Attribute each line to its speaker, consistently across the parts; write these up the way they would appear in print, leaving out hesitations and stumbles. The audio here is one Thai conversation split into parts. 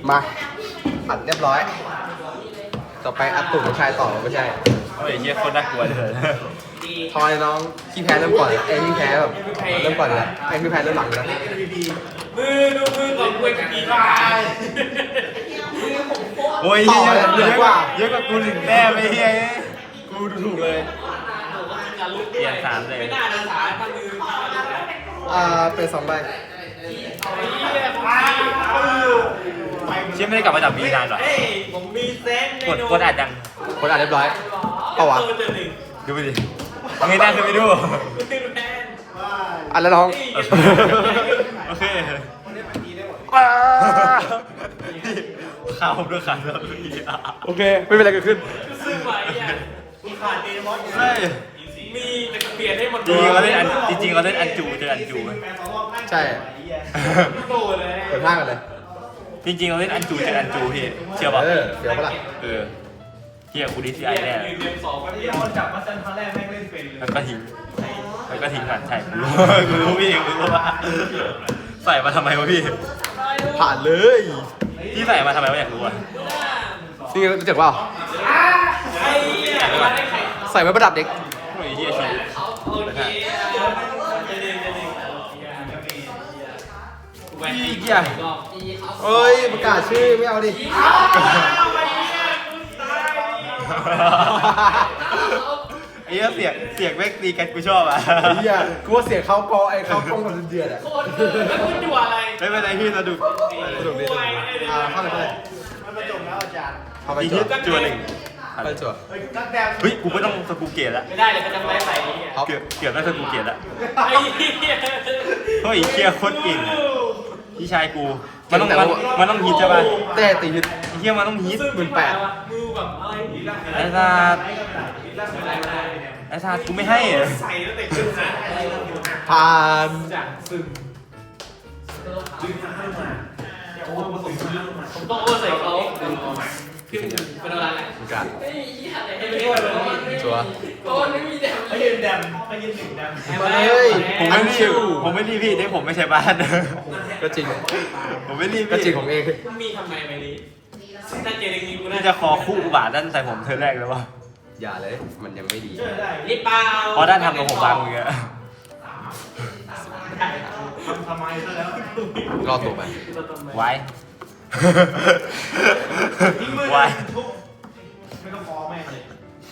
Speaker 1: มาผัดเรียบร้อยต่อไปอัดตุ่มชายต่อไม่ใช่
Speaker 2: โอ้ยเยี่ยคนน่ากลัวเลย
Speaker 1: ทอยน้องขี้แพ้เริ่มก่อนไอ้ขี้แพ้แบบเริ่มก่อนเลยไอ้ขี้แพ้เริ่มหลังเลย
Speaker 3: มือดูมือของกูจะกี่บาท
Speaker 2: โอ้ยเยอะกว่ากูหนึ่งแต้มไอ้เหี้ยกูดูถูกเลยเปลี่ยนสามเลย
Speaker 3: ไม่น่าจะสายพันมือ
Speaker 1: เป็น2 ใบ
Speaker 2: เชี่ยไม่ได้กลับมาจากบีนานหรอ
Speaker 3: เฮ้ยผมมีเซนส์
Speaker 2: กดอ่านยัง
Speaker 1: คนอ่านเรียบร้อยเปล่าวะ
Speaker 2: ดูไปดิยังไงน่าคือไปดู
Speaker 1: อ่านแล้วน้อง
Speaker 2: โอเคข่าวด้วยข่าวแล้ว
Speaker 1: โอเคไม่เป็นไรเกิดขึ้น
Speaker 3: ซึ่งไหวอ่ะมีขาดเดมอน
Speaker 2: ใช่
Speaker 3: มีแต่เปลี่ยนให้หมด
Speaker 2: จริงเขาเล่นอันจูเจออันจู
Speaker 1: ใช่
Speaker 3: โตเลย
Speaker 1: เปิดผ้ากันเลย
Speaker 2: จริงเราเล่นอันจูเจออันจูพี่เชื่อป่ะ
Speaker 1: เดี๋ยวปะล่ะ
Speaker 2: เฮียกูดีซีไอแน่
Speaker 3: เรียนสองก็ที่เราจับมาซันครั้งแรกแม่งเล่นเป็นเลย
Speaker 2: แล้วก็ทิ้งก่อนใช่กูรู้พี่กูรู้ว่าใส่มาทำไมวะพี่
Speaker 1: ผ่านเลย
Speaker 2: ที่ใส่มาทำไมวะอยากรู้อ่ะ
Speaker 1: นี่รู้จักเปล่า
Speaker 3: ไอ้เนี่ยมาได้ใคร
Speaker 1: ใส่ไว้ประดับเด็ก
Speaker 2: โอ้ยเฮียชี
Speaker 3: โอเคแหวนอีกอย่างรอบ
Speaker 1: เอ้ยประกาศชื่อไม่เอาดิ
Speaker 2: ไอ้เสียงแม่งตีกันกูชอบอ่ะ
Speaker 1: เฮียกูว่าเสียงเขากอไอ้เขากล้องมันเดือดอ่ะ
Speaker 3: โคตรแล้วคุณอยู่อะไร
Speaker 2: ไม่เป็นไรพี่สนุก
Speaker 1: สนุกดีเข้าเลย
Speaker 3: มันประจบแล้วอาจารย์
Speaker 1: เข้าไป
Speaker 2: อี
Speaker 1: จั่
Speaker 2: ที่
Speaker 1: ว
Speaker 2: จัวหนึ่ง
Speaker 1: ไปจั่ว
Speaker 2: เฮ้ยกูไม่ต้องสกูเกตละ
Speaker 3: ไม่ได้เลยเขาจะไม่ได้ใส่เนี่ย
Speaker 1: ท็อป
Speaker 2: เกือบได้สกูเกตละ
Speaker 3: ไอ้เหี้ย
Speaker 2: เฮ้ยเคียโคตรเก่งพี่ชายกูมันต้องฮิตใช่ป่ะ
Speaker 1: เต้ตีฮิต
Speaker 2: ไอ้เฮียมันต้องฮิต
Speaker 3: มือแบบอะไรนี่
Speaker 2: ไอ้สัตว์ไอ้สัตว์กูไม่ให้อะ
Speaker 3: ใส่ตั้งแต่ขึ้นนะ
Speaker 1: ผ่าน
Speaker 3: จากซึมผมต้องโอ้ใส่เขาขึ้นเป็นอะไร
Speaker 1: ประกาศ
Speaker 3: ให้ไม่ได้เลย
Speaker 1: จั่ว
Speaker 3: ไม่ยืนดำไม่ยืนหนึ่งดำ
Speaker 1: มาเลย
Speaker 2: ผมไม่รีบพี่ได้ผมไม่ใช่บ้าน
Speaker 1: ก็จริง
Speaker 2: ผมไม่รีบ
Speaker 1: ก็จริ
Speaker 2: พี่
Speaker 1: งของเอง
Speaker 3: มีทำไมไปนี้ถ้าเจออย่างนี้กู
Speaker 2: นี่
Speaker 3: น่า
Speaker 2: จะคอคู่อุบาทด้านใส่ผมเธอแรกแล้ววะ
Speaker 1: อย่าเลยมันยังไม่ดี
Speaker 3: รีบเปล่า
Speaker 2: เพราะด้านทำกับผมบางมืออะ
Speaker 3: ทำไมซะแล้ว
Speaker 1: รอตัวไป
Speaker 2: ไว้ ไว้
Speaker 3: ไม่ต้องฟ้องแม่เลย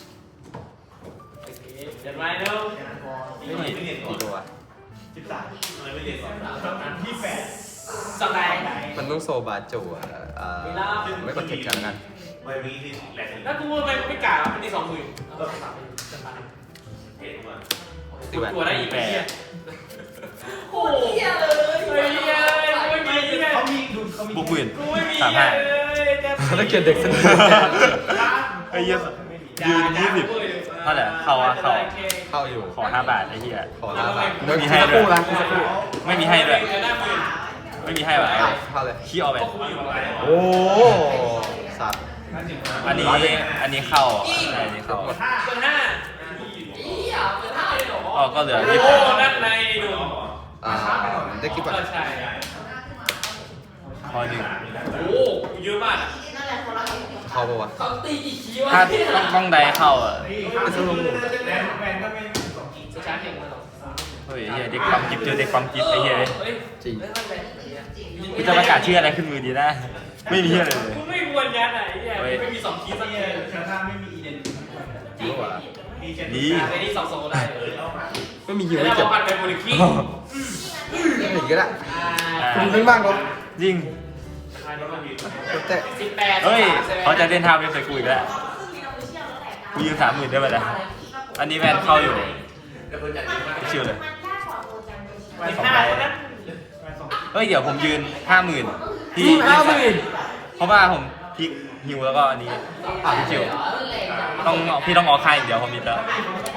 Speaker 3: เดี๋ยวมาเร็ว
Speaker 1: กี่ตัว
Speaker 3: ที่แปดสัปดาห์
Speaker 1: มันต้องโซบาจั่วไม่กดเทคกันกัน
Speaker 3: แล้วกูไม่กล่าวมันดี20,000
Speaker 1: ตีแหวน
Speaker 3: ตัวได้อีก
Speaker 2: แปด
Speaker 3: โอ้ยเยเลยไม่มีเลย
Speaker 4: เขามีดูเขามี
Speaker 2: บุกหมื่น
Speaker 3: กูไม่มี
Speaker 2: 35
Speaker 3: เลย
Speaker 1: ถ้าเกียรเด็กสนุก
Speaker 2: ไอ้เหี้ยยืน20เท่าไหร่เข้าเข้า
Speaker 1: เข้าอยู่
Speaker 2: ขอ5 บาทไอ้เหี้ย
Speaker 1: ขอลาบา
Speaker 2: ไม่มีให้
Speaker 1: สัก
Speaker 2: ด้
Speaker 1: คว รู่
Speaker 2: ย
Speaker 1: นะสักครู่
Speaker 2: ไม่มีให้ด้วยไม่มีให้ว่ะ
Speaker 1: เข้าเลย
Speaker 2: ขี้เอาไป
Speaker 1: โอ้สัตว์
Speaker 2: อันนี้เข้าใช่อันนี้เข้า
Speaker 3: เปิด5
Speaker 2: อ๋อก็เหลือ
Speaker 3: โอ้
Speaker 2: 20
Speaker 3: นั่นในดู
Speaker 1: ได้คลิปก่อน
Speaker 3: ก็ใช่
Speaker 2: พอหนึ่ง
Speaker 3: โอ้เยอะมาก
Speaker 1: เข้าปะวะ
Speaker 2: ถ้าต้องใดเข้าอ่ะ
Speaker 1: เป็นสนุก
Speaker 4: แวนก็ไม่สองกิ
Speaker 3: สชาร์จเก่งมาก
Speaker 2: เฮ้ยเหี้ยเด็กปั๊มจิ๊บเจอเด็กปั๊มจิ๊บไอ้เหี้ย
Speaker 1: จริง
Speaker 2: กูจะประกาศชื่ออะไรขึ้นมือดีนะ ไม่มีอะไรเลย
Speaker 3: กูไม่ควรยัดไหนไม่มี2คีย์สัก
Speaker 4: เนี่
Speaker 3: เลย
Speaker 4: ยชาท่าไม่มีอีเดน
Speaker 1: จริงปะ
Speaker 4: มีเจน
Speaker 2: ดี
Speaker 3: ไอ้นี่2โซได้
Speaker 1: ไม่มีฮิว
Speaker 3: แล้
Speaker 1: ไม่
Speaker 3: ว
Speaker 1: เจ็บ
Speaker 3: ปัดไปโมลิคี
Speaker 1: ไม่เห็นก็ได้คุณไม่บ้างก็
Speaker 2: จริง
Speaker 1: แต่
Speaker 3: 18
Speaker 2: เฮ้ยเขาจะเล่นท่าเว็บใส่กูอีกแล้วกูยืม30,000ได้ไหมล่ะอันนี้แวนเข้าอยู่ชิวเลย
Speaker 3: 15นะ
Speaker 2: เฮ้ยเดี๋ยวผมยืน50,000ที่เพราะว่าผมพลิกฮิวแล้วก็อันนี้ชิวต้องพี่ต้องออกค่ายอย่างเดียวผมมีแล้ว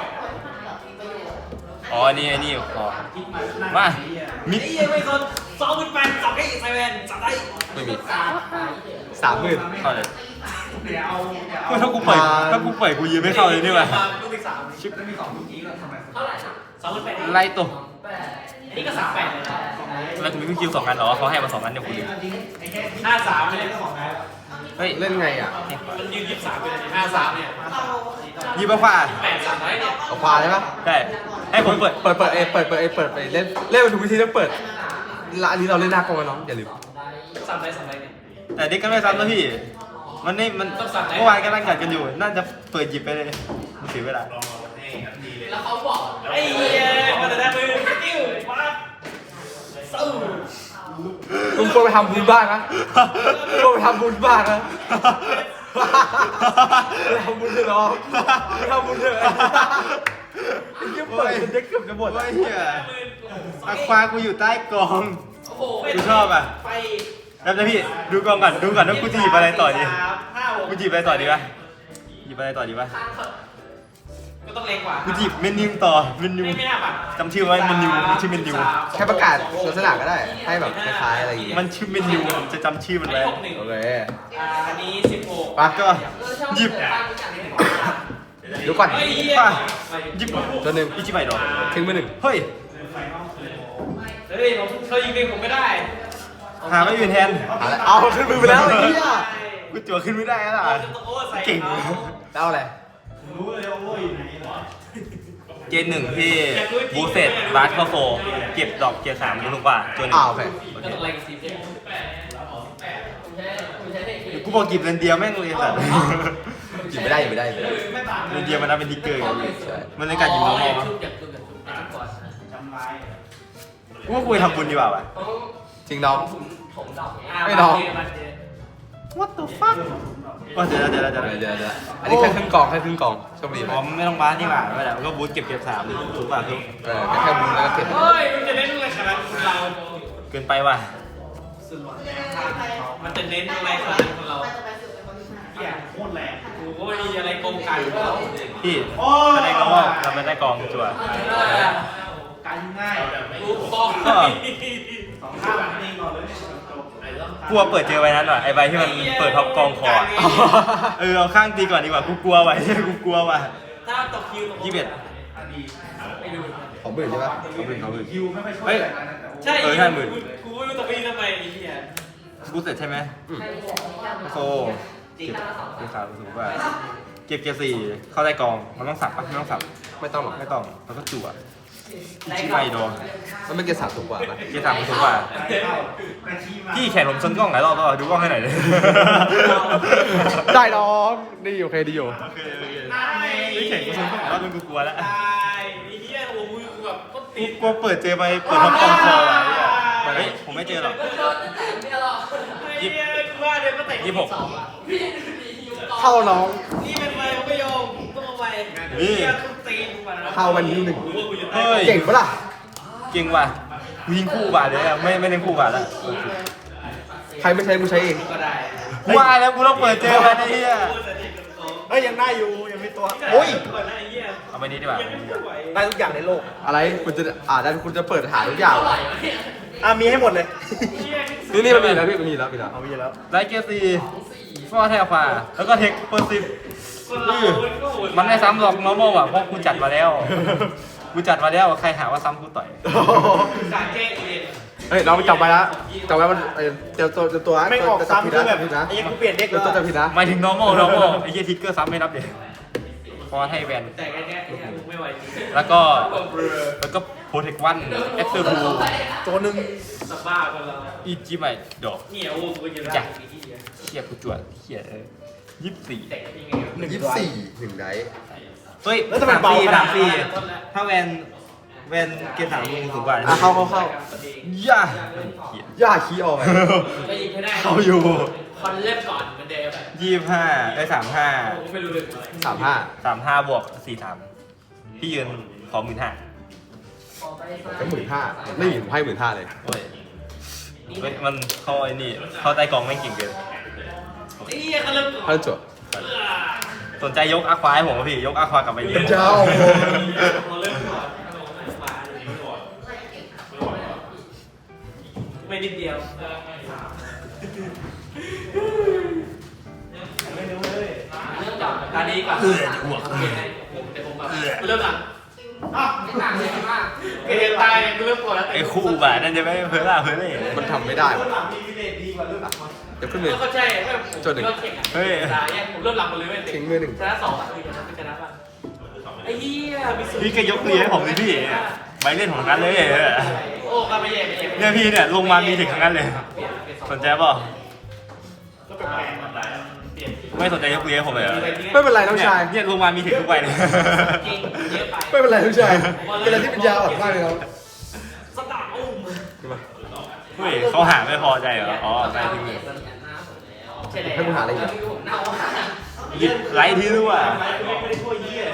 Speaker 2: อ๋ออันนี้พอมามิด
Speaker 3: ไอ้ยังไม่สน28จับได้ไซเวนจับได้
Speaker 1: ไม่มี30,000
Speaker 2: เข้าเลย
Speaker 4: เดี๋ยวเอา
Speaker 2: ถ้ากูปล่อยกูยืนไม่เข้าเลยนี่หว่า
Speaker 3: ลูกที่3
Speaker 4: ชิปแล้วมีสองลูกนี้แล้วทำไม
Speaker 3: เท่าไหร่28
Speaker 2: ไล่ตัว
Speaker 3: นี่ก็38เลยนะ
Speaker 2: แล้วคุณมีพี่คิว2อันเหรอเขาให้มา2อันเดี๋ยวคุณลืม
Speaker 3: 53เลย
Speaker 2: เฮ้ย
Speaker 1: เล่นไงอ่ะ
Speaker 3: มันยืน23ไปเลย53เนี่ย
Speaker 2: ยิบมาขวา
Speaker 3: 83เนี่ย
Speaker 1: เอาควาได้ปะ
Speaker 2: ได้ให้ผมเปิด
Speaker 1: เปิดไปเล่นมาถูกวิธีต้องเปิดละอันนี้เราเล่นหน้ากองกันน้องอย่าลืม
Speaker 3: 3เนี่ย
Speaker 2: แต่เด็กก็ไม่ซ้ำนะพี่มันนี่มันเมื่อวานกำลังจัดกันอยู่ น่าจะเปิดหยิบไปเลยมันเสียเวลา
Speaker 3: แล้วเขาบอกไอ้เหี้ยมันจะได้มือกิ้วปั๊บสู้
Speaker 1: มึงควรไปทำบุญบ้างนะควรไปทำบุญบ้างนะไปทำบุญเถอะน้องไปทำบุญเถอะไอ้เหี้ยเปิดจนเด็กเกือบจะหมด
Speaker 2: เฮ้ยเฮียอะควากูอยู่ใต้กอง
Speaker 3: โอ้โห
Speaker 2: กูชอบอ่ะ
Speaker 3: ไป
Speaker 2: แล้วนะพี่ดูกองก่อนว่ากูจะหยิบอะไรต่อดี
Speaker 3: 5
Speaker 2: กูหยิบอะไรต่อดีวะหยิบอะไรต่อดีวะ
Speaker 3: ก็ต้องเล็กกว่า
Speaker 2: กูหยิบเมนูต่อเมนู
Speaker 3: ไม่น่าบัตร
Speaker 2: จำชื่อไว้เมนูมันชื่อเมนู
Speaker 1: แค่ประกาศลักษณะก็ได้ให้แบบคล้ายๆอะไรอย่างเงี้ย
Speaker 2: มันชื่อเมนูผมจะจำชื่อมันไว้
Speaker 1: โอเค
Speaker 3: อันนี้16
Speaker 1: ไป
Speaker 2: ก็หยิบ
Speaker 1: เดี๋ยวก่อน
Speaker 3: เฮ้ยเหี้ย
Speaker 2: ป่ะหยิบ
Speaker 1: ตัวหนึ่ง
Speaker 2: อิจิไบดอก
Speaker 1: ทิ้งไปหนึ่ง
Speaker 2: เฮ้ย
Speaker 3: เฮ้ยผมเคยยิงเองผมไม่ได้
Speaker 2: หาไม่อยู่แทน
Speaker 1: เอาขึ้นมือไปแล้วไอ้เหี้ย
Speaker 2: กูจั่วขึ้นไม่ได้แล้วล่ะ เก่ง
Speaker 1: แล้วอะไร
Speaker 4: รู้เลยว่าโอ้ยไหนหรอ
Speaker 2: เกณฑ์หนึ่งที่บูเซตบาสเข้าโฟเก็บดอกเกียร์3ดูถูกกว่าตัวหนึ่ง
Speaker 1: โอเค
Speaker 2: โอ
Speaker 3: ก็
Speaker 2: เค
Speaker 3: ต้องไล่สีเ
Speaker 2: กูบอกหยิบเรนเดียร์แม่งเลยสัตว์
Speaker 1: หยิบไม่ได้หยิบไม่ได้หยิบไม่ได้
Speaker 2: เรนเดียร์มันนับเป็นทิกเกอร์ไงพี่
Speaker 1: ใช่
Speaker 2: มันในการหยิบน้องมอง
Speaker 4: จำลาย
Speaker 2: กูว่ากูไปทำบุญดีกว่าวะ
Speaker 1: จริงน้อง ไม่
Speaker 3: ไม่
Speaker 1: น้
Speaker 3: น้
Speaker 1: อ
Speaker 3: อง ง
Speaker 2: What the fuck ว่าเดี๋ยว
Speaker 1: เดี๋ยวอันนี้แค่ครึ่งกองแค่ครึ่งกองโชคดีไหม
Speaker 2: อ๋อไม่ต้องบาสดีกว่าไม่ได้ก็บูทเก็บ3ถูกป่ะคือ
Speaker 1: แค่บุญแล้วก็เก็บ
Speaker 3: เฮ้ยมันจะเน้นอะไรขนาดเรา
Speaker 2: เกินไปว่ะ
Speaker 3: มันจะเน้นอะไรขนาดของเรา
Speaker 4: เหี้ยโคตรแรง
Speaker 3: โอ้ยอะไรกงไก่แล้ว
Speaker 2: พี่แสดงว่าเราไม่ได้กองจั่ว
Speaker 4: การง่าย
Speaker 3: ลูกบอล
Speaker 4: สองข้างนี่ก่อนเลยจบ
Speaker 2: กลัวเปิดเจอใบนั้นว่ะไอใบที่มันเปิดท็อปกองคออะเอาข้างตีก่อนดีกว่ากูกลัวว่ะกูกลัวว่ะ
Speaker 3: ถ้าตกคิว
Speaker 2: 21
Speaker 3: ไม่ดู
Speaker 1: ของบื่นใช่ปะของบื่น
Speaker 4: คิวไม่ค่อยช่วยอะไรนะแต่ว่า
Speaker 3: ใช่
Speaker 2: เออ50,000
Speaker 3: กูไม่รู้ตะปีทำไมไอ้เหี้ย
Speaker 2: บูทเสร็จใช่ไหมโซเก็บเกียร์3ถูกป่ะเก็บเกียร์4เข้าได้กองมันต้องสับปะไม่ต้องสับ
Speaker 1: ไม่ต้องหรอก
Speaker 2: ไม่ต้องแล้วก็จั่วชิไบโดน
Speaker 1: มันเป็นเกียร์สามถูกกว่าปะ
Speaker 2: เกียร์3มันถูกกว่า
Speaker 4: แต่ชี้มา
Speaker 2: พี่แขนผมชนกล้องหลายรอบแล้วดูกล้องให้หน่อยเลย
Speaker 1: ได้น้องดีโอเคดีอยู่
Speaker 2: พี่แขนกูชนกล้องหลายรอบจนกูกลัวแล้ว
Speaker 3: ตายไอ้เหี้ยโอ้โหกูแบบก็
Speaker 2: กู
Speaker 3: ติด
Speaker 2: กลัวเปิดเจอไปเปิดท็อปกองคอว่ะเฮ้ยผมไม่เจอหรอก
Speaker 3: ไอ้เหี้ยกูว่าเดี๋ยวก็เตะ
Speaker 2: 26
Speaker 1: เข้าน้อง
Speaker 3: นี่เป็นไมผมไม่ยอมต้องเอาไป
Speaker 2: นี่
Speaker 3: เหี้ยต้องตีกูมา
Speaker 1: เข้าวันที่หนึ่ง
Speaker 3: รู้ว่ากูจะ
Speaker 2: เฮ้
Speaker 3: ตาย
Speaker 2: ย
Speaker 1: เก่งปะล่ะ
Speaker 2: เก่งว่ะกูยิงคู่บาทเลยอะไม่เล่นคู่บาทแล้ว
Speaker 1: ใครไม่ใช้กูใช้เอง
Speaker 3: ก็ได้
Speaker 2: กูว่าแล้วกูต้องเปิดเจอมันไอ้เหี้ย
Speaker 4: เฮ้ยยังได้อยู่ยังมีตัว
Speaker 1: โอ้ย
Speaker 2: เอาไปนี้ดีกว่า
Speaker 4: ได้ทุกอย่างในโลก
Speaker 1: อะไรคุณจะได้คุณจะเปิดหาทุกอย่างเหรอ
Speaker 4: มีให้หมดเลย
Speaker 1: นี่มันมีแล้วพี่มันมีแล้วมีแล้ว
Speaker 4: เอาไปแล้ว
Speaker 2: ไลท์เกียร์4ฟอร์แทลควาแล้วก็เทคเปอร์ซิฟมันไม่ซ้ำหรอก normal อ่ะเพราะกูจัดมาแล้วกูจัดมาแล้วใครหาว่าซ้ำกูต่อย
Speaker 3: การแก้เอง
Speaker 1: เฮ้ยน้องจำไว้ละจำไว้มันเดี๋ยวตัว
Speaker 4: ไม่ออกซ้ำคือแบบ
Speaker 1: ผิดนะ
Speaker 4: ไอ้ยังกูเปลี่ยนเด็ก
Speaker 1: เดี๋ยวตัวจะผิดนะ
Speaker 2: หมายถึง normal ไอ้เหี้ยทิกเกอร์ซ้ำไม่นับเด็ฟอร์ให้แวน
Speaker 3: แต่แค่ไม่ไหวจริง
Speaker 2: แล้วก็โปรเทควันเอ็กเตอร์ทู
Speaker 4: ตัวหนึ่ง
Speaker 3: สบ้าคนเรา
Speaker 2: อีจิใหม่ดอก
Speaker 3: เหนียวกูจะได้ที่เหี้ย
Speaker 2: เชี่ยกูจวดเชี่ย24
Speaker 3: แต่ยังไง
Speaker 1: 24หนึ่งได
Speaker 2: เฮ้ย
Speaker 4: แล้วทำไมเบาขนาดนี้
Speaker 2: ถ้าแวนเกียร์3มึงสูงกว่า
Speaker 1: เข้า
Speaker 2: ย่า
Speaker 1: ย่าขี้ออกไป
Speaker 3: ก็ยิงให้ได้
Speaker 2: เข้าอยู่
Speaker 3: คอนเล่มก่อนเหมือนเดิม
Speaker 2: 25ได้35
Speaker 3: ผมไม่รู้เลย
Speaker 1: 35
Speaker 2: 35บวก43พี่ยืนขอ15,000
Speaker 1: ก็15,000ไม่ผมให้15,000เลย
Speaker 2: โอ้ยเฮ้ยมันเข้าไอ้นี่เข้าใต้กองไม่งเก่งเกิน
Speaker 3: ไอ้เหี้ยเขาเริ่มก่อน
Speaker 1: ท่านจบ
Speaker 2: สนใจยกอาควาให้ผมป่ะพี่ยกอาควากลับไปเลี้ยง
Speaker 1: เจ้า
Speaker 3: เขาเริ่มก่อนไม่นิดเดียว
Speaker 4: ไม่รู้เลย
Speaker 3: เริ่มจากตาดีก่อนเดี๋ยวผมแบบเริ่มหลังเกตายกูเริ่มปวดแล้ว
Speaker 2: ไอ้คู่บาทนั่นจะไม่เพิ่ล่าเพิ่เลย
Speaker 1: มันทำไม่ได้วะ
Speaker 4: มีวิเลตดีกว่าหรือเปล่า
Speaker 1: เดี๋ยวขึ้นมือ
Speaker 3: ก็ใช่ผม
Speaker 1: จนหนึ่ง
Speaker 2: เฮ้ย
Speaker 3: ตายผมเริ่มหลับหมดเลยเว้ย
Speaker 1: ทิ้งมือหนึ่ง
Speaker 3: ชนะ2อ่ะชนะป่ะไอ้เหี้ยมีสุด
Speaker 2: พี่ก็ยกเลียให้ผมดิพี่ใบเล่นของนั้นเลย
Speaker 3: โอ้ก็ไม่แย่ไม่แย่
Speaker 2: เนี่ยพี่เนี่ยลงมามีถึงทั้งนั้นเลยสนใจป่ะ
Speaker 4: ก็เป็นแปลงมันได้
Speaker 3: เปลี่ยน
Speaker 2: ไม่สนใจยกเลียผมเลย
Speaker 1: ไม่เป็นไรน้องชาย
Speaker 2: เนี่ยลงมามีถึงทุกใบเลย
Speaker 3: จริงเยอะไป
Speaker 1: ไม่เป็นไรน้องชายเป็นอะไรที่เป็นยาอ่อนมากเลยน้อง
Speaker 3: สตาร์อุ้ม
Speaker 2: เฮ้ยเขาหาไม่พอใจเหรออ๋อได้ทิ้งเลย
Speaker 1: ให้มึงหาอะไรอีก
Speaker 2: หยิบไลท์ที่รู้อ่ะ
Speaker 4: ไม่ได้ทั่วเยี่ย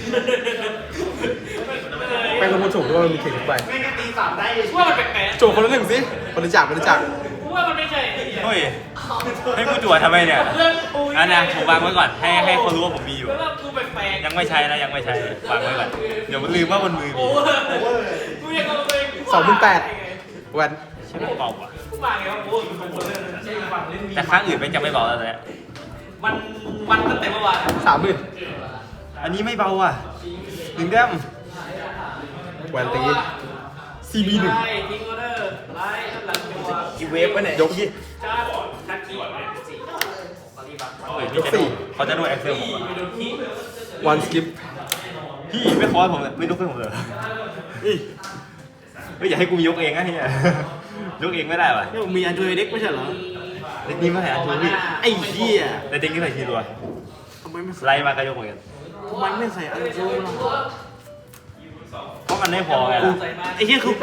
Speaker 1: แป้งลงมาถูกด้วยมันมีเข่งทุกใบ
Speaker 4: ไม่งั้นตีสามได้เลย
Speaker 3: ว่ามันแปลก
Speaker 1: โจคนละหนึ่งสิบริจาค
Speaker 3: ๆว่ามันไม่ใช่
Speaker 2: เฮ้ยให้กูจั่วทำไมเนี่ย
Speaker 3: เรื่องกู
Speaker 2: อันนะผมวางไว้ก่อนให้เขารู้ว่าผมมีอยู่
Speaker 3: แล้วกูแปลกๆ
Speaker 2: ยังไม่ใช้นะยังไม่ใช้วางไว้ก่อนเดี๋ยวมันลืมว่าบนมือมี
Speaker 3: โอ้กูยังเอาไป
Speaker 1: แวน
Speaker 2: ใช่ไหมเบาอ่ะ
Speaker 3: กูมาไงวะโอ้กูเป็นคนเล่นใช่ฟังเล่นมี
Speaker 2: แต่ครั้งอื่นไม่จะไม่เบาแล้วเนี่ย
Speaker 3: มันตั้งแต่เมื่อวาน
Speaker 1: 30,000
Speaker 2: อันนี้ไม่เบาอ่ะหนึ่งแต้ม
Speaker 1: แวนตี CB1
Speaker 3: ไล่ทิ้งออเดอร์ไล่หลังตัว
Speaker 4: กี่เวฟวะเนี่ย
Speaker 1: ยกยี่
Speaker 3: จ้าทักกี้สี่ปฏิบัติ
Speaker 2: เฮ้ยพี่จะดูเขาจะดูแอคเซลผม
Speaker 3: ไปโดนขี้
Speaker 1: วันสกิป
Speaker 2: พี่ไม่คอร์สผมเลยไม่ลุกให้ผมเลยไม่อยากให้กูยกเองนะเฮียยกเองไม่ได้ป่ะ
Speaker 4: นี่มีอันจูเด็กไม่ใช่เหรอ
Speaker 2: เด็กนี้ไม่ใส่อันชูพี่
Speaker 4: ไอ้เหี้ย
Speaker 2: แต่เด็กนี้ใส่ทีรัว
Speaker 4: ทำไมไม่ใส่
Speaker 2: ไล่มาก็ยกเหมือนกัน
Speaker 4: ทำไมไม่ใส่อันจูล่ะ
Speaker 2: เพราะมันไม่พอไง
Speaker 4: ไอ้เหี้ยคือกู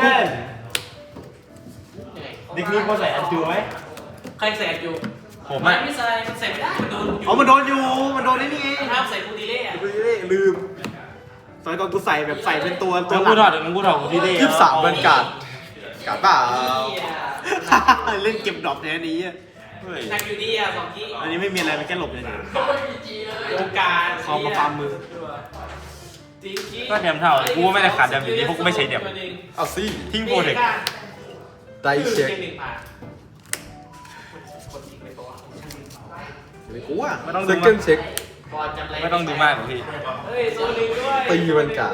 Speaker 2: เด็กนี้เขาใส่อันชูไหม
Speaker 3: ใครแสบอยู่
Speaker 2: ผม
Speaker 3: ไม่
Speaker 2: อ่ะ
Speaker 3: ไม่ใส่มันใส่ไม่ได้มันโดน
Speaker 4: อ๋อมันโดนอยู่ มันโดนนี่นี่เอง
Speaker 3: ห้ามใส่ปูดีเล่อะ
Speaker 4: ลืมสมัยก่อนกูใส่แบบใส่เป็นตัวห
Speaker 2: มึง
Speaker 4: ลั
Speaker 2: พูดถอดมึงพูดถอดกูที่เล่
Speaker 1: 23วันการ์ดการ์ดเปล่า
Speaker 4: เล่นเก็บดรอปในอันนี้อะ
Speaker 2: เฮ้ย
Speaker 3: หนักอยู่ดีอ่ะสองขี้
Speaker 4: อันนี้ไม่มีอะไรมันแค่หลบเฉย
Speaker 3: โอกาส
Speaker 4: ๆคอมาฟาร์มมือ
Speaker 3: จริงขี้
Speaker 2: ก็แดมเท่ากูไม่ได้ขาดแดมอยู่ดีเพราะกูไม่ใช้แดม
Speaker 1: เอาสิ
Speaker 2: ทิ้งโปรเทค
Speaker 1: ไดเช็ค
Speaker 3: หนึ่งผ่าน
Speaker 1: ไม่กูอ่ะ
Speaker 2: ไม่ต้อง
Speaker 1: เซ
Speaker 2: ดู
Speaker 1: คั
Speaker 2: มาน ก
Speaker 1: ด์เช็ค
Speaker 3: บอลจำไร
Speaker 2: ไม่ต้องดูมากหรอกพี่
Speaker 3: เฮ้ยโซลิงด้วย
Speaker 1: ตีวันการ์ด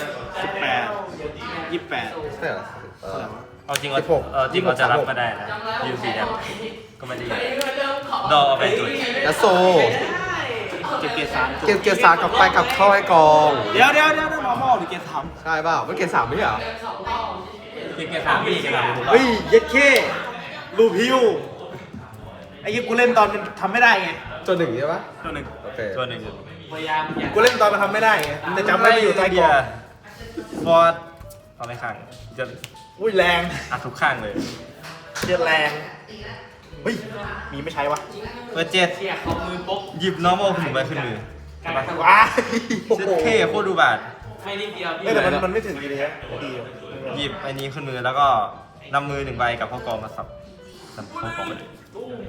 Speaker 4: 28
Speaker 1: ใช่เหรอ
Speaker 2: เอาจริงเรา
Speaker 1: 16
Speaker 2: จริงเราจะรับก็ได้นะยูซีแดมก็ไม่ได้ดอกเอาไปจุด
Speaker 1: แล้วโซ
Speaker 4: เก็บเกียร์สาม
Speaker 1: เกียร์สามกลับไปกลับเข้าให้กอง
Speaker 4: เดี๋ยวมอมอหรือเกียร์สาม
Speaker 1: ใช่เปล่าไม่เกียร์สามไม่ใช่เหรอ
Speaker 2: เกียร์สามพี่จะทำ
Speaker 4: เฮ้ยเย็ดเข้ลูพิวไอ้ยี่กูเล่นตอนมันทำไม่ได้ไง
Speaker 1: จนหนึ่งใช่ปะ
Speaker 4: ตัวหนึ่ง
Speaker 1: โอเค
Speaker 2: ตัวหนึ่ง
Speaker 3: พยายามอย่า
Speaker 4: กูเล่นตอนมันทำไม่ได้ไงแต่จำได้ไม่อยู่ใต้กล่อง
Speaker 2: ฟอร์ดเอาไม่ข้างจะ
Speaker 4: อุ้ยแรง
Speaker 2: อัดทุกข้างเลย
Speaker 4: เชียแรงเฮ้ยมีไม่ใช้วะ
Speaker 2: เปิดเจ็ด
Speaker 3: เที่ยเขามือปุ๊บ
Speaker 2: หยิบ normal ขึ้นไปขึ้นมือ
Speaker 4: ว้า
Speaker 2: เซ็ตเท่โคตรดูบาท
Speaker 3: ไม่นิดเดียวพี่
Speaker 4: แต่มันไม่ถึงดีเลยฮะดีอยู่
Speaker 2: หยิบไอ้นี้ขึ้นมือแล้วก็นำมือหนึ่งใบกับข้อกองมาสับข้อกองไปเลย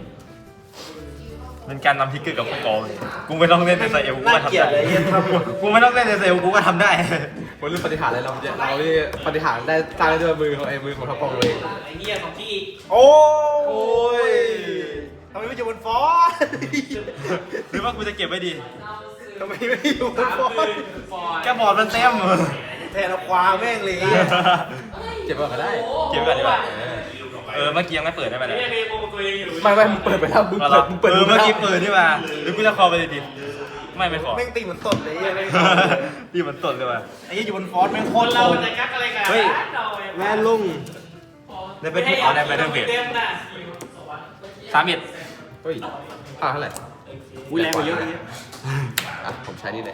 Speaker 2: เป็นการนำทิกเกอร์กับข้อกองเลยกูไม่ต้องเล่นในไซเอลกู
Speaker 4: น่า
Speaker 2: ก็ทำ
Speaker 4: เกลียด
Speaker 2: ได้
Speaker 4: เลยยันทำหมด
Speaker 2: กูไม่ต้องเล่นในไซเอลกูก็ทำได้
Speaker 1: วันรุ่นปฏิหารอะไรเราเนี่ยเรานี่ปฏิหารได้สร้างได้ด้วยมือของไอ้มือของทัพกองเลย
Speaker 3: ไอ้เหี้ยของพี่
Speaker 4: โอ้ยทำไมไม่อยู่บนฟอส
Speaker 2: หรือว่ากูจะเก็บไว้ดี
Speaker 4: ทำไมไม่อยู่บน
Speaker 3: สาม
Speaker 4: ฟอ
Speaker 3: มื
Speaker 4: ส
Speaker 3: อฟอย
Speaker 2: แกบอร์ดมันเต็ม
Speaker 4: แทนเอาควาแม่งเลย
Speaker 1: เก็บไว้ก็ได้
Speaker 2: เก็บไว้ก่อนดีกว่าเมื่อกี้ยังไม่เปิดได้ไหม
Speaker 3: ไอ้
Speaker 2: เนี่ย
Speaker 3: เหี้ยเมย์โมตัวเองอยู่
Speaker 1: ไม่มึงเปิดไปแล้วมึงเปิด
Speaker 2: เมื่อกี้เปิดนี่มาหรือกูจะคอไปเลยดิไม่ขอ
Speaker 4: แม่งตีเหมือนตดเลยไอ้
Speaker 2: ดีมันตดเลยว่ะ
Speaker 4: ไอ้ยี่อยู่บนฟอสแม่งโค
Speaker 3: คน
Speaker 4: ตร
Speaker 3: เรา
Speaker 4: เรา
Speaker 3: จะกักอะไรกัน
Speaker 2: เฮ้ย
Speaker 4: แม่ลุง
Speaker 2: ได้เป็นผู้เอาได้ไปเรื่องเพจ
Speaker 3: เต็มนะ
Speaker 2: 31
Speaker 1: เฮ้ยค่าเท่าไหร่
Speaker 4: อุ้ยแรงกว่าเยอะเลย
Speaker 1: อ่ะผมใช้นี่เลย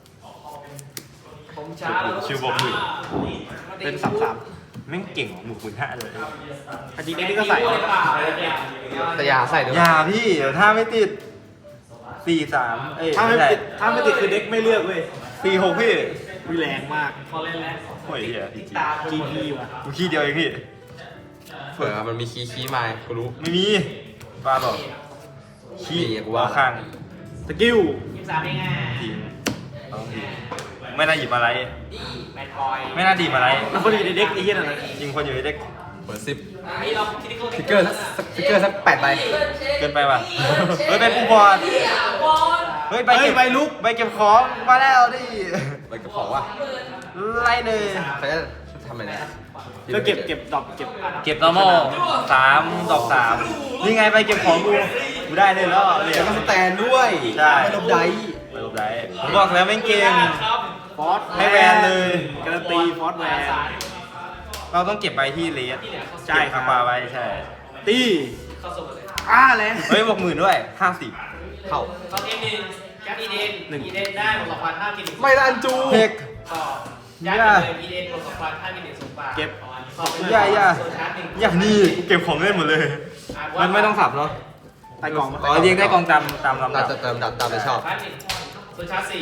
Speaker 3: ผมช้าแล้ว
Speaker 2: ชิวบอกมือ
Speaker 4: เป็น33
Speaker 2: แม่งเก่งหมู่คุณห้าเลย
Speaker 4: อันนี้นี่ก็ใส่
Speaker 1: แต่อย่าใส่เดี๋ยว
Speaker 2: อย่าพี่เดี๋ยวถ้าไม่ติด 43 เอ้ย
Speaker 4: ถ้าไม่
Speaker 2: ใช่
Speaker 4: ติดถ้าไม่ติดคือเด็กไม่เลือกเว้ย
Speaker 2: 46พี่
Speaker 4: อุ้ยแรงมาก
Speaker 3: พอเล่นแล้ว
Speaker 2: โอ้ยเหี้ยจริง
Speaker 4: GP ว่ะ
Speaker 2: กูขี้เดียวเองพี่
Speaker 1: เผื่อมันมีคีย์มากูรู้
Speaker 2: ไม่มีบ้าบอกขี้
Speaker 1: มีกูว่า
Speaker 2: เอาข้าง
Speaker 4: สกิล
Speaker 3: 23เองอ่ะ
Speaker 2: ทีมเอาทีมไม่น่าหยิบอะไร
Speaker 3: แมนบอย
Speaker 2: ไม่น่าดีบอะไร
Speaker 4: มันคนอยู่ในเด็กไอ้เหี้ยนั่นแหละ
Speaker 2: ยิงคนอยู่ในเด็ก
Speaker 1: เปิด10
Speaker 3: นี่เราคิดที่เขา
Speaker 1: ฟิกเกอร์สัก8ใบ
Speaker 2: เกินไปว่ะเฮ้ยเป็นผู้บอล
Speaker 3: บอล
Speaker 2: เฮ้ยใบเก็บใบลุกใบเก็บของมาแล้วดิ
Speaker 1: ใบกระเพาะว่ะ
Speaker 2: ไล่เลย
Speaker 1: เขาจะทำอะไรนะ
Speaker 4: ก็เก็บดอกเก็บ
Speaker 2: เก็บ normal 3 ดอก 3 นี่ไงไปเก็บของกูได้เลยแล้ว
Speaker 1: แล้วก็สแตนด้วย
Speaker 2: ใช่
Speaker 1: ไม่ลบได
Speaker 2: ไปลบได้ผมบอกแล้วไม่เก่ง
Speaker 4: ฟอส
Speaker 2: ให้แวนเลย
Speaker 4: การันตีฟอสแวน
Speaker 2: เราต้องเก็บไปที่เลส
Speaker 4: ใช่ครับ
Speaker 2: ปลาไว้ใช่
Speaker 4: ตี
Speaker 3: เข้าสู่เลย
Speaker 4: แรง
Speaker 2: เฮ้ยบอก10,000ด้วย50
Speaker 1: เข้า
Speaker 3: ตอนเอ็มหนึ่งแก๊ปอีเดนอีเดนได้บวก2,000 5กิน
Speaker 1: ไม่ละอันจู
Speaker 2: เทค
Speaker 3: ต่อย้ายไปเลยอีเดนบวก2,000 5กินสูงกว่า
Speaker 4: เก็บ
Speaker 2: อย่านี่กูเก็บของเล่นหมดเลย มันไม่ต้องสับเนาะ
Speaker 4: ใต้กล่อง
Speaker 2: อ๋อเรียงได้กองตามลำดั
Speaker 1: เรา
Speaker 2: บ
Speaker 1: จะเติมดับตามใจชอบ
Speaker 3: ส่วนชาร์จ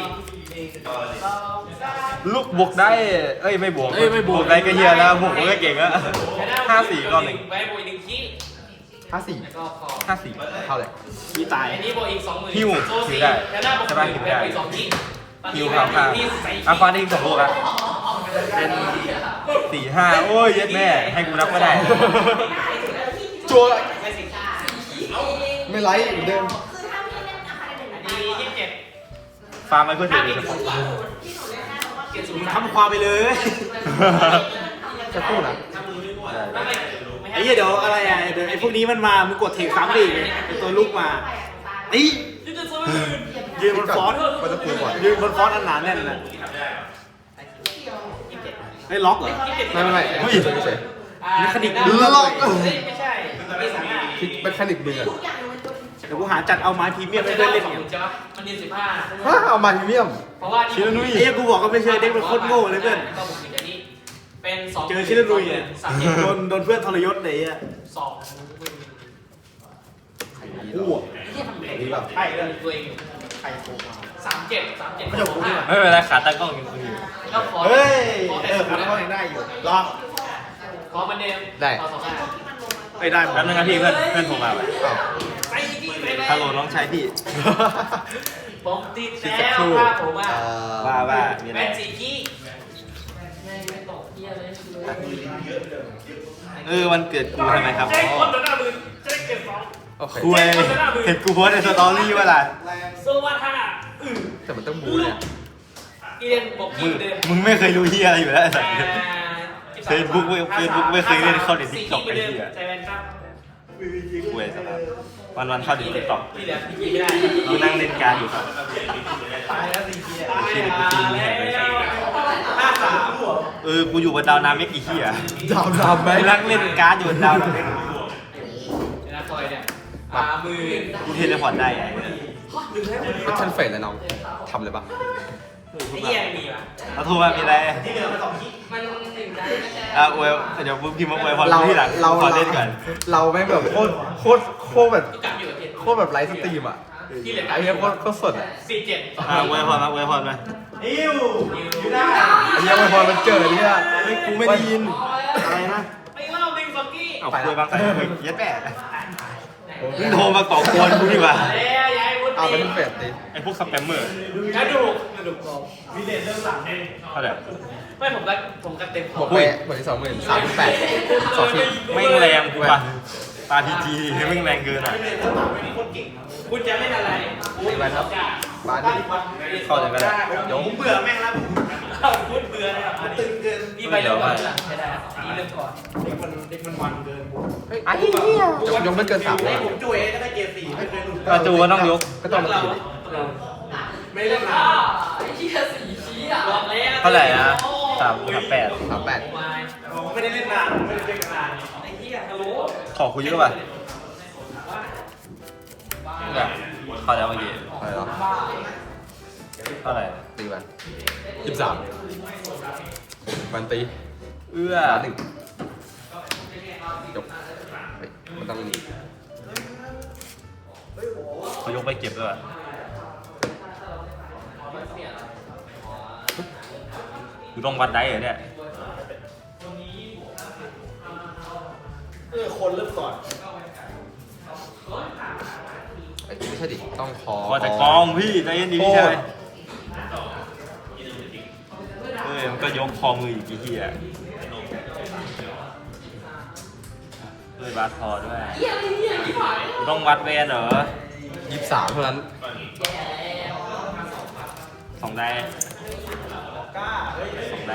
Speaker 3: 4
Speaker 2: ลูกบวกได้ เอ้ยไม่บวกบวกได้ก็เฮียแล้วบวกก็เก่งอะ54 รอบหนึ่ง
Speaker 3: ไว้บวกอีก1คี
Speaker 1: 54
Speaker 3: แล้วก็คอ
Speaker 2: 54
Speaker 1: เท่าไหร่
Speaker 4: มีตาย
Speaker 3: อันนี้บวกอีก 20,000
Speaker 2: หิ้ว
Speaker 3: โซ่
Speaker 2: หิ้
Speaker 3: สี่
Speaker 2: วได้
Speaker 3: แล้วหน้าบวก
Speaker 2: ใช่ปะหิ้วได้
Speaker 3: ไปอีก2คี
Speaker 2: ฮิวข่าวข่าวอาควาได้อีก2 ลูกอะเป็น4-5 โอ้ยเย็ดแม่ให้กูนับก็ได้
Speaker 1: จัว
Speaker 3: ไม่สิ
Speaker 1: ไม่ไลท์เหมือนเดิม
Speaker 3: อันนี้27
Speaker 2: ฟาร์มไปเพื่อเทรดโดยเฉพาะ
Speaker 4: ทำความไปเลย
Speaker 1: จะคู่นะ
Speaker 4: ไอ้เหี้ยเดี๋ยวอะไรอ่ะเดี๋ยวไอ้พวกนี้มันมามึงกดเทคซ้ำดิไอ้ตัวลูกมาไอ้ยืนบนฟอนต์
Speaker 1: ก็จะคูก่อน
Speaker 4: ยืนบนฟอนต์อันหนาแน่นนะไอ้ล็อกเหรอ
Speaker 1: ไม่เฮ้ยเฉย
Speaker 4: มีคณิต
Speaker 1: ล็อก
Speaker 3: ไม่ใช่มี2อย่าง
Speaker 1: คิดเป็นคณิตมืออะ
Speaker 4: เดี๋ยวกูหาจัดเอาไม้พรีเมียมให้เพื่อนเล่นเนี่ย
Speaker 3: ใช่ปะมันยืน15
Speaker 1: ฮะเอามาพรีเมียม
Speaker 3: เพราะว่า
Speaker 4: ชิลนุ้ยไอ้เหี้ยกูบอกก็ไม่เชื่อเด็กมันโคตรโง่เลยเพื่อน
Speaker 3: ก็บุกอย่างนี้เป็น2
Speaker 4: เจอชิลนุ้ยเนี่ย
Speaker 3: 3
Speaker 4: โดนเพื่อนทรยศเลยอ่ะ
Speaker 1: คู่อ่ะนี่แบบ
Speaker 3: ใช่เลยตัวเองใครโกงมา37ไม่จบกูนี่หว่า
Speaker 2: ไม่เป็นไรขาตั้งกล้องยังคุยอยู่
Speaker 3: ก็ขอ
Speaker 4: เฮ้ย
Speaker 3: ขอแต่
Speaker 4: ผมก็ยังได้อยู่รอ
Speaker 3: ขอมันเดิมขอ25
Speaker 4: ไม่ได้หมด
Speaker 2: แป๊บนึงครับพี่เพื่อนโทรมา
Speaker 1: อ้าว
Speaker 3: ไปที่ไปแล้ว
Speaker 2: ฮัลโหลน้องชายพี่
Speaker 3: ผมติด
Speaker 1: คิด
Speaker 3: แล้
Speaker 1: สัก
Speaker 3: ว
Speaker 1: ครู่
Speaker 3: ว่าผมอ่ะ
Speaker 2: ว่ามีอะไร
Speaker 3: แม่สีขี้
Speaker 2: วันเกิดกูใช่ไหมครับ
Speaker 3: เจ๊คนเดินหน้ามือเจ๊เก็บ2
Speaker 1: โอเค
Speaker 2: คุยเห็นกูโพสในสตอรี่ว่าล่ะ
Speaker 3: โซวาท่า
Speaker 1: แต่มันต้องบูเนี่ย
Speaker 3: อีเดนบอก
Speaker 2: มึ
Speaker 3: กิ
Speaker 2: ง
Speaker 3: นเดิม
Speaker 2: มึงไม่เคยรู้เฮียอะไรอยู่แล้วไอ้สัส Facebook ไม่เคยเล่นเข้าใน TikTok
Speaker 3: ไปเดิม
Speaker 2: ไอ้เหี้ย
Speaker 3: ใจแวนครับ
Speaker 2: คุยสภาพวันเข้าดิติ๊กต็อก
Speaker 3: ที่เหลือพี่ไม่ได้
Speaker 2: กูนั่งเล่นการอยู่ครับ
Speaker 3: ตายแล้วสีขี้
Speaker 2: ที่เด็กกูตีมึงแหกไป
Speaker 3: 53
Speaker 2: กูอยู่บนดาวน้ำไม่กี่เฮีย
Speaker 1: ดาวดำไหม
Speaker 2: กูนั่งเล่นการ์ดอยู่บนดาวน้ำ
Speaker 3: นะคอยเนี่ยมือ
Speaker 2: กูเทเลพอร์ตได้ไง
Speaker 1: ก็ชันเฟรนเลยน้องทำเลยปะ
Speaker 3: ไอ้เหี้ยมีป่ะ
Speaker 2: เราโทรมามีอะไร
Speaker 3: มันถึงได้
Speaker 2: อวยเดี๋ยวพิมพ์มาอวยพรที่หลังขอเล่นก่อน
Speaker 1: เราแม่งแบบโคตรแบบ
Speaker 3: ก็กลับอยู่กับเทียน
Speaker 1: โคตรแบบไลฟ์สตรีมอ่ะ
Speaker 3: ที่เหลือ
Speaker 1: ไอ้เนี้ยโคตรสดอ่ะ
Speaker 3: 47
Speaker 2: อวยพรมาอวยพรมา
Speaker 3: อยู่ได้
Speaker 1: ไอ้เนี้ยพอมันเกิดเนี่ย
Speaker 2: เฮ้ยกูไม่ได้ยิน
Speaker 1: อะไรนะ
Speaker 3: ไม่เล่าหนึ่งสองกี้
Speaker 2: เอาคุยบางสายเย็ดแม่มึงโทรมาก่อกวนกูดีกว่า
Speaker 3: แล้วย้ายวุฒิ
Speaker 1: เอาไปที่เฟรดิ
Speaker 2: ไอ้พวกสแปมเมอร์
Speaker 3: กระดูกกอง
Speaker 2: เท่าไหร่
Speaker 3: ไม่ผมกันเต็ม
Speaker 1: บอกไปหมดที่20,038 2 ที
Speaker 2: ไม่งแรงกูป่ะตาพีจีไม่งแรงเกินอ่ะ
Speaker 3: คุณจะไม่อะไร
Speaker 1: ตีไปครับบ้านนี่
Speaker 2: เข้าเลยก็ได้
Speaker 4: ผมเบื่อแม่งแล้ว
Speaker 3: เข้าพูดเบื่อเลยครับ
Speaker 4: ตึงเกิน
Speaker 3: นี่ไปเริ่มก่อนใช่ได้นี่เริ่มก่อน
Speaker 4: เด็กมันมันเกิน
Speaker 1: ไอ้เหี้ยยกไม่เกิน3เลย
Speaker 4: ผมจุ๋ยก็ได้เกียร์4ไม่เคยหลุด
Speaker 2: กระจูก็ต้องยก
Speaker 1: ก็ต้องมาตีดิ
Speaker 4: ไม่เล่นนาน
Speaker 3: บอกแล้ว
Speaker 2: เท่าไหร่นะ338
Speaker 1: 38
Speaker 4: ไม่ได้เล่นนานไม่ได้เล่นนาน
Speaker 3: ไอ้เหี้ยฮัลโหล
Speaker 2: ขอคุยเยอะป่ะเนี่ยเข้าแล้วเมื่อกี้
Speaker 1: อะไรหรอ
Speaker 2: เท่าไหร่
Speaker 1: ตีไป23มันตี
Speaker 2: เอื้อ
Speaker 1: บ้านหนึ่งยกเฮ้ยมันต้องนี่
Speaker 2: เขายกไปเก็บด้วยกูต้องวัดได้เหรอเนี่ย
Speaker 4: คนเริ่มก่อน
Speaker 1: ไอ้ไม่ใช่ดิต้องคอ
Speaker 2: ว่าแต่กองพี่ใจเย็นดีพี่ชายมันก็ยกคอมืออีกทีเฮียบาสพอด้วยกูต้องวัดแวนเหรอ
Speaker 1: 23เท่านั้น
Speaker 2: 2 ได้ส่งได้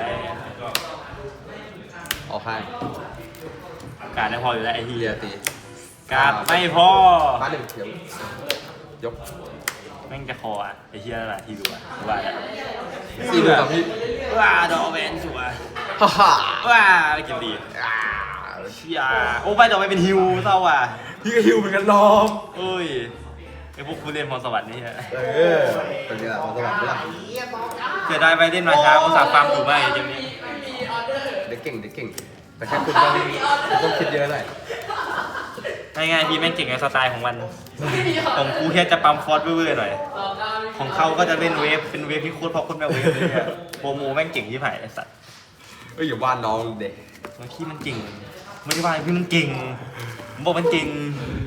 Speaker 1: ออกข้าง
Speaker 2: การได้พออยู่แล้วไอ้
Speaker 1: เฮี
Speaker 2: เหี้
Speaker 1: ย
Speaker 2: ย
Speaker 1: ตี
Speaker 2: การไม่พอ
Speaker 1: พาหนึ่งเดี๋ยวยก
Speaker 2: แม่งจะคออ่ะไอ้เหี้ยอะไรที่ดูอ่ะว่าแล้ว
Speaker 1: สี่หมื่นสองพี่
Speaker 2: ว่าดอกแวนสัว
Speaker 1: ฮ่าฮ่า
Speaker 2: ว่าไปกินดีเชี่ยโอ้ไปดอกแวนเป็นฮิวเศร้าอ่ะ
Speaker 1: พี่ก็ฮิวเหมือนกันน้อง
Speaker 2: เอ้ยไอ้พวกผู้เล่นพรสวรรค์นี่ฮะ
Speaker 1: เป็นไงล่ะของสวรรค์ด้วย
Speaker 2: เสียดายไปเล่นมาช้าอุตส่าห์ฟาร์มอยู่มากไอ้เกมนี้
Speaker 1: เด็กเก่งเด็กเก่ง แต่แค่คุณต้องคิดเยอะหน่อย
Speaker 2: ง่ายๆพี่แม่งเก่งในสไตล์ของมันของกูแค่จะปั๊มฟอสเว่อร์ๆหน่อยของเขาก็จะเล่นเวฟเป็นเวฟที่โคตรพอคนแบบเวฟเลยเนี่ยโปรโมแม่งเก่งที่ไหนไอ้สัตว์
Speaker 1: เอ้ยอย่าว่าน้องเด็ก
Speaker 2: พี่มันเก่งไม่ได้ว่าพี่มันเก่งผมบอกมันเก่ง